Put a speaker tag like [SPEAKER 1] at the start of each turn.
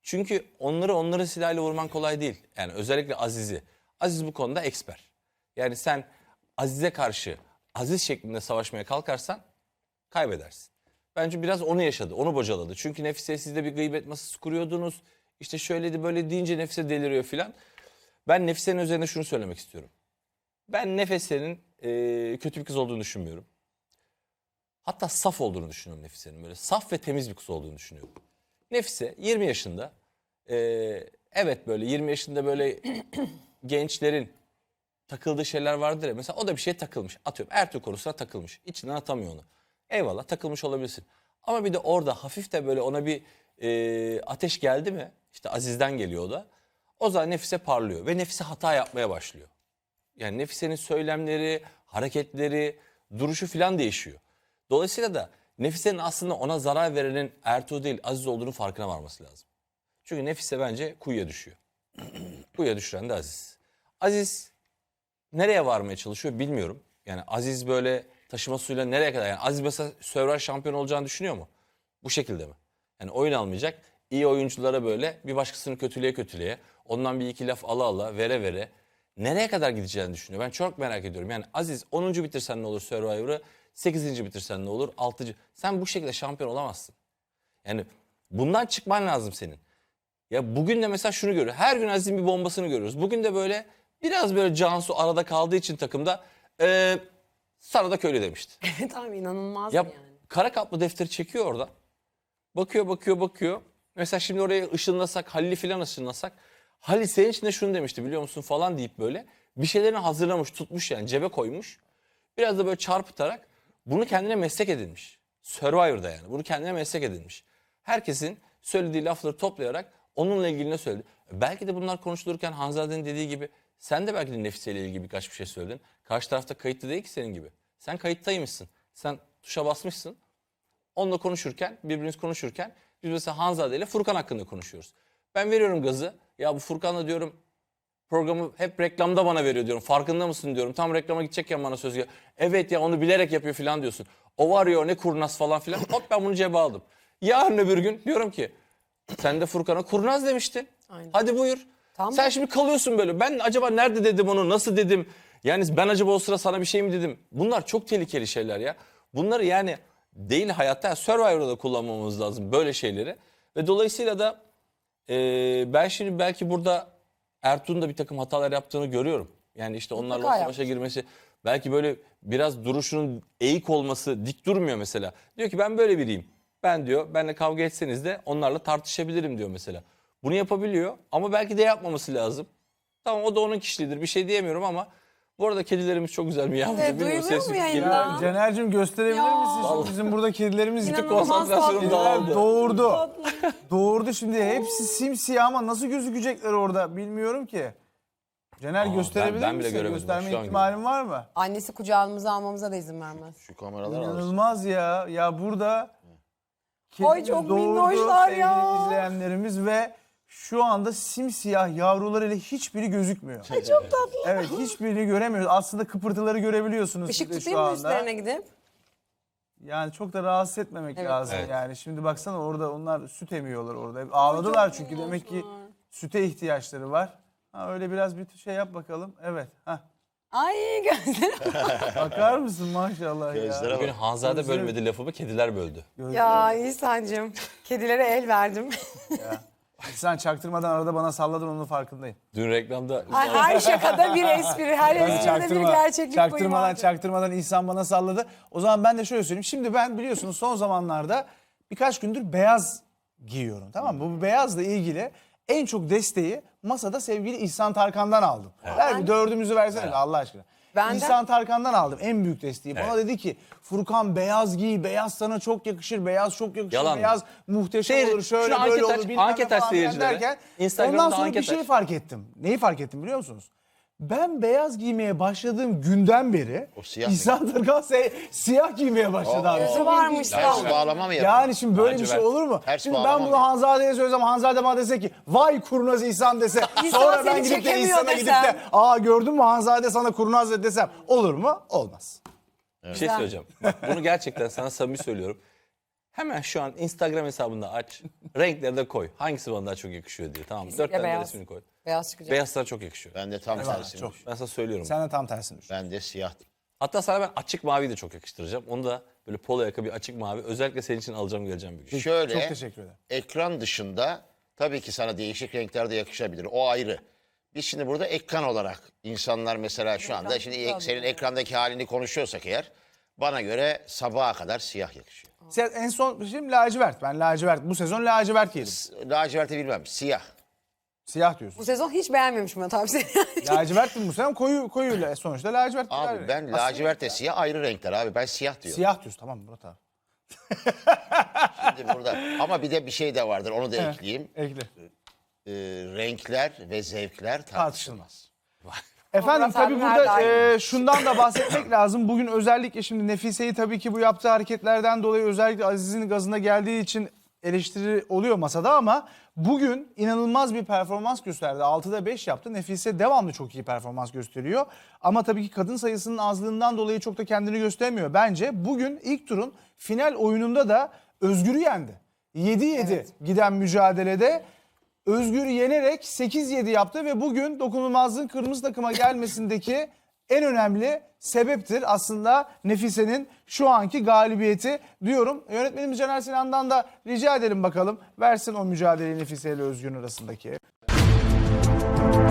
[SPEAKER 1] Çünkü onların silahıyla vurman kolay değil. Yani özellikle Aziz'i. Aziz bu konuda eksper. Yani sen Aziz'e karşı Aziz şeklinde savaşmaya kalkarsan kaybedersin. Bence biraz onu yaşadı, onu bocaladı. Çünkü Nefise siz de bir gıybet masası kuruyordunuz. İşte şöyleydi böyle deyince Nefise deliriyor filan. Ben Nefise'nin üzerine şunu söylemek istiyorum. Ben Nefise'nin kötü bir kız olduğunu düşünmüyorum. Hatta saf olduğunu düşünüyorum Nefise'nin. Böyle saf ve temiz bir kız olduğunu düşünüyorum. Nefise 20 yaşında. Evet böyle 20 yaşında böyle gençlerin takıldığı şeyler vardır ya. Mesela o da bir şeye takılmış. Atıyorum Ertuğrul konusuna takılmış. İçinden atamıyor onu. Eyvallah takılmış olabilirsin. Ama bir de orada hafif de böyle ona bir ateş geldi mi? İşte Aziz'den geliyor o da. O zaman Nefise parlıyor ve Nefise hata yapmaya başlıyor. Yani Nefise'nin söylemleri, hareketleri, duruşu falan değişiyor. Dolayısıyla da Nefise'nin aslında ona zarar verenin Ertuğrul değil Aziz olduğunu farkına varması lazım. Çünkü Nefise bence kuyuya düşüyor. Kuyuya düşüren de Aziz. Aziz nereye varmaya çalışıyor bilmiyorum. Yani Aziz böyle taşıma suyla nereye kadar? Yani Aziz mesela Survivor şampiyon olacağını düşünüyor mu? Bu şekilde mi? Yani oyun almayacak. İyi oyunculara böyle bir başkasını kötüleye ondan bir iki laf ala vere nereye kadar gideceğini düşünüyor. Ben çok merak ediyorum. Yani Aziz 10. bitirsen ne olur Survivor'ı? 8. bitirsen ne olur? 6. Sen bu şekilde şampiyon olamazsın. Yani bundan çıkman lazım senin. Ya bugün de mesela şunu görüyoruz. Her gün Aziz'in bir bombasını görüyoruz. Bugün de böyle biraz böyle Cansu arada kaldığı için takımda sana da köylü demişti.
[SPEAKER 2] Evet abi inanılmaz
[SPEAKER 1] Ya
[SPEAKER 2] yani.
[SPEAKER 1] kara kaplı defteri çekiyor orada. Bakıyor. Mesela şimdi oraya ışınlasak, Halil'i falan ışınlasak. Halil senin için de şunu demişti biliyor musun falan deyip böyle bir şeylerini hazırlamış, tutmuş yani cebe koymuş. Biraz da böyle çarpıtarak bunu kendine meslek edinmiş. Survivor'da yani bunu kendine meslek edinmiş. Herkesin söylediği lafları toplayarak onunla ilgili ne söyledi? Belki de bunlar konuşulurken Hanzade'nin dediği gibi sen de belki de Nefise ile ilgili birkaç bir şey söyledin. Karşı tarafta kayıtlı değil ki senin gibi. Sen kayıttaymışsın. Sen tuşa basmışsın. Onunla konuşurken, birbirimiz konuşurken biz mesela Hanzade ile Furkan hakkında konuşuyoruz. Ben veriyorum gazı. Ya bu Furkan'la diyorum programı hep reklamda bana veriyor diyorum. Farkında mısın diyorum. Tam reklama gidecekken bana söz geliyor. Evet ya onu bilerek yapıyor falan diyorsun. O var ya o ne kurnaz falan filan. Hop ben bunu cebe aldım. Yarın öbür gün diyorum ki sen de Furkan'a kurnaz demiştin.
[SPEAKER 2] Aynen.
[SPEAKER 1] Hadi buyur.
[SPEAKER 2] Tamam.
[SPEAKER 1] Sen şimdi kalıyorsun böyle. Ben acaba nerede dedim onu, nasıl dedim? Yani ben acaba o sıra sana bir şey mi dedim? Bunlar çok tehlikeli şeyler ya. Bunları yani değil hayatta, yani Survivor'da da kullanmamız lazım böyle şeyleri. Ve dolayısıyla da ben şimdi belki burada Ertuğ'un da bir takım hatalar yaptığını görüyorum. Yani işte onlarla
[SPEAKER 2] Mutlaka
[SPEAKER 1] savaşa girmesi, belki böyle biraz duruşunun eğik olması, dik durmuyor mesela. Diyor ki ben böyle biriyim. Ben diyor, benle kavga etseniz de onlarla tartışabilirim diyor mesela. Bunu yapabiliyor ama belki de yapmaması lazım. Tamam o da onun kişiliğidir, bir şey diyemiyorum ama bu arada kedilerimiz çok güzel mi yavrum?
[SPEAKER 2] Evet, duyuluyor mu yayında?
[SPEAKER 3] Ya Caner'cim gösterebilir
[SPEAKER 2] Ya.
[SPEAKER 3] misin? Şimdi bizim burada kedilerimiz
[SPEAKER 2] İnanılmaz
[SPEAKER 1] konsantrasyonum
[SPEAKER 2] tatlı.
[SPEAKER 1] dağıldı.
[SPEAKER 3] doğurdu. Doğurdu şimdi. Hepsi simsiyah ama nasıl gözükecekler orada bilmiyorum ki. Caner gösterebilir
[SPEAKER 1] ben bile
[SPEAKER 3] misin?
[SPEAKER 1] göremedim.
[SPEAKER 3] Gösterme
[SPEAKER 1] Şu an
[SPEAKER 3] ihtimalin var mı?
[SPEAKER 2] Annesi kucağımıza almamıza da izin vermez.
[SPEAKER 4] Şu kameralar alırsın.
[SPEAKER 3] İnanılmaz ya. Ya burada
[SPEAKER 2] Ay,
[SPEAKER 3] kedimiz
[SPEAKER 2] çok
[SPEAKER 3] doğurdu
[SPEAKER 2] minnoşlar
[SPEAKER 3] sevgili
[SPEAKER 2] ya.
[SPEAKER 3] izleyenlerimiz ve şu anda simsiyah yavrularıyla hiçbiri gözükmüyor.
[SPEAKER 2] Çok tatlı.
[SPEAKER 3] Evet hiçbirini göremiyoruz. Aslında kıpırtıları görebiliyorsunuz
[SPEAKER 2] Işık
[SPEAKER 3] siz de
[SPEAKER 2] tutayım
[SPEAKER 3] şu
[SPEAKER 2] mı
[SPEAKER 3] anda.
[SPEAKER 2] üstlerine gidip?
[SPEAKER 3] Yani çok da rahatsız etmemek
[SPEAKER 2] Evet.
[SPEAKER 3] lazım
[SPEAKER 1] Evet.
[SPEAKER 3] yani. Şimdi baksana orada onlar süt emiyorlar orada. Hep ağladılar
[SPEAKER 2] çok
[SPEAKER 3] çünkü demek ki
[SPEAKER 2] minnoşlar.
[SPEAKER 3] süte ihtiyaçları var. Ha, öyle biraz bir şey yap bakalım. Evet. Hah.
[SPEAKER 2] Ay gözlerim.
[SPEAKER 3] Bakar mısın maşallah ya.
[SPEAKER 4] Gözlere
[SPEAKER 1] Bugün
[SPEAKER 4] bak.
[SPEAKER 1] Hanzade
[SPEAKER 3] Gözlerim-
[SPEAKER 1] bölmedi lafımı, kediler böldü.
[SPEAKER 2] Ya İhsan'cığım kedilere el verdim.
[SPEAKER 3] Sen çaktırmadan arada bana salladın onun farkındayım.
[SPEAKER 1] Dün reklamda
[SPEAKER 2] Ay, her şakada bir espri, her espride bir gerçeklik payı vardı.
[SPEAKER 3] Çaktırmadan İhsan bana salladı. O zaman ben de şöyle söyleyeyim. Şimdi ben biliyorsunuz son zamanlarda birkaç gündür beyaz giyiyorum. Tamam mı? Bu beyazla ilgili en çok desteği masada sevgili İhsan Tarkan'dan aldım. Ver bir dördümüzü versene de Allah aşkına.
[SPEAKER 2] Benden-
[SPEAKER 3] İhsan Tarkan'dan aldım en büyük desteği. Bana dedi ki Furkan beyaz giy, beyaz sana çok yakışır, beyaz çok yakışır,
[SPEAKER 1] Yalan mı?
[SPEAKER 3] beyaz muhteşem olur, şöyle
[SPEAKER 1] şunu
[SPEAKER 3] böyle
[SPEAKER 1] anket
[SPEAKER 3] olur
[SPEAKER 1] aç,
[SPEAKER 3] bilmem ne
[SPEAKER 1] anket aç
[SPEAKER 3] falan filan
[SPEAKER 1] seyircilere.
[SPEAKER 3] derken
[SPEAKER 1] Instagram'da
[SPEAKER 3] ondan sonra bir
[SPEAKER 1] anket
[SPEAKER 3] şey
[SPEAKER 1] aç.
[SPEAKER 3] fark ettim. Neyi fark ettim biliyor musunuz? Ben beyaz giymeye başladığım günden beri
[SPEAKER 4] O siyah mı?
[SPEAKER 3] İhsan Tarkan siyah giymeye başladı abi.
[SPEAKER 2] Gözü varmış
[SPEAKER 4] Ters
[SPEAKER 2] lan.
[SPEAKER 4] bağlama mı yapıyor?
[SPEAKER 3] Yani şimdi böyle bir
[SPEAKER 1] Lacivert.
[SPEAKER 3] şey olur mu?
[SPEAKER 4] Ters
[SPEAKER 3] Şimdi ben
[SPEAKER 4] bağlama
[SPEAKER 3] bunu
[SPEAKER 4] mı?
[SPEAKER 3] Hanzade'ye söylesem, Hanzade bana dese ki vay kurnaz İhsan dese.
[SPEAKER 2] İhsan
[SPEAKER 3] sonra ben
[SPEAKER 2] seni
[SPEAKER 3] gidip de
[SPEAKER 2] çekemiyor
[SPEAKER 3] İhsan'a gidip
[SPEAKER 2] desem.
[SPEAKER 3] de aa gördün mü Hanzade sana kurnaz dedi desem olur mu? Olmaz.
[SPEAKER 1] bir şey
[SPEAKER 2] Güzel.
[SPEAKER 1] söyleyeceğim. Bak, bunu gerçekten sana samimi söylüyorum. Hemen şu an Instagram hesabında aç. Renkleri de koy. Hangisi bana daha çok yakışıyor diye. Tamam mı? 4 tane de
[SPEAKER 2] beyaz.
[SPEAKER 1] resmini koy.
[SPEAKER 2] Beyaz çıkacak.
[SPEAKER 1] Beyaz sana çok yakışıyor.
[SPEAKER 4] Ben de tam tersini
[SPEAKER 3] çok.
[SPEAKER 4] düşün.
[SPEAKER 1] Ben sana söylüyorum.
[SPEAKER 3] Sen de tam tersini düşün.
[SPEAKER 4] Ben de siyah.
[SPEAKER 1] Hatta sana ben açık mavi de çok yakıştıracağım. Onu da böyle polo yaka bir açık mavi. Özellikle senin için alacağım geleceğim bir gün.
[SPEAKER 4] Şöyle,
[SPEAKER 3] Çok teşekkür ederim.
[SPEAKER 4] ekran dışında tabii ki sana değişik renkler de yakışabilir. O ayrı. Biz şimdi burada ekran olarak insanlar mesela şu anda şimdi senin ekrandaki halini konuşuyorsak eğer bana göre sabaha kadar siyah yakışıyor.
[SPEAKER 3] Sen en son şimdi lacivert. Ben lacivert. Bu sezon lacivert giydim.
[SPEAKER 4] Laciverti bilmem, siyah.
[SPEAKER 3] Siyah
[SPEAKER 2] Bu
[SPEAKER 3] diyorsun.
[SPEAKER 2] sezon hiç beğenmemiş Murat abi seni.
[SPEAKER 3] Lacivert mi bu sezon? Koyu sonuçta lacivert.
[SPEAKER 4] Abi ben lacivertle siyah ayrı renkler abi. Ben siyah diyorum.
[SPEAKER 3] Siyah diyorsun tamam Murat abi.
[SPEAKER 4] Şimdi burada. Ama bir de bir şey de vardır. Onu da ekleyeyim.
[SPEAKER 3] Ekle.
[SPEAKER 4] Renkler ve zevkler tartışılmaz.
[SPEAKER 3] Efendim
[SPEAKER 2] Murat
[SPEAKER 3] tabii
[SPEAKER 2] abi
[SPEAKER 3] burada
[SPEAKER 2] nerede?
[SPEAKER 3] şundan da bahsetmek lazım. Bugün özellikle şimdi Nefise'yi tabii ki bu yaptığı hareketlerden dolayı özellikle Aziz'in gazına geldiği için eleştiri oluyor masada ama bugün inanılmaz bir performans gösterdi. 6'da 5 yaptı. Nefise devamlı çok iyi performans gösteriyor. Ama tabii ki kadın sayısının azlığından dolayı çok da kendini göstermiyor. Bence bugün ilk turun final oyununda da Özgür'ü yendi. 7-7 giden mücadelede Özgür'ü yenerek 8-7 yaptı ve bugün dokunulmazlığın kırmızı takıma gelmesindeki en önemli sebeptir aslında Nefise'nin şu anki galibiyeti diyorum. Yönetmenimiz Caner Sinan'dan da rica edelim bakalım. Versin o mücadeleyi Nefise ile Özgür'ün arasındaki.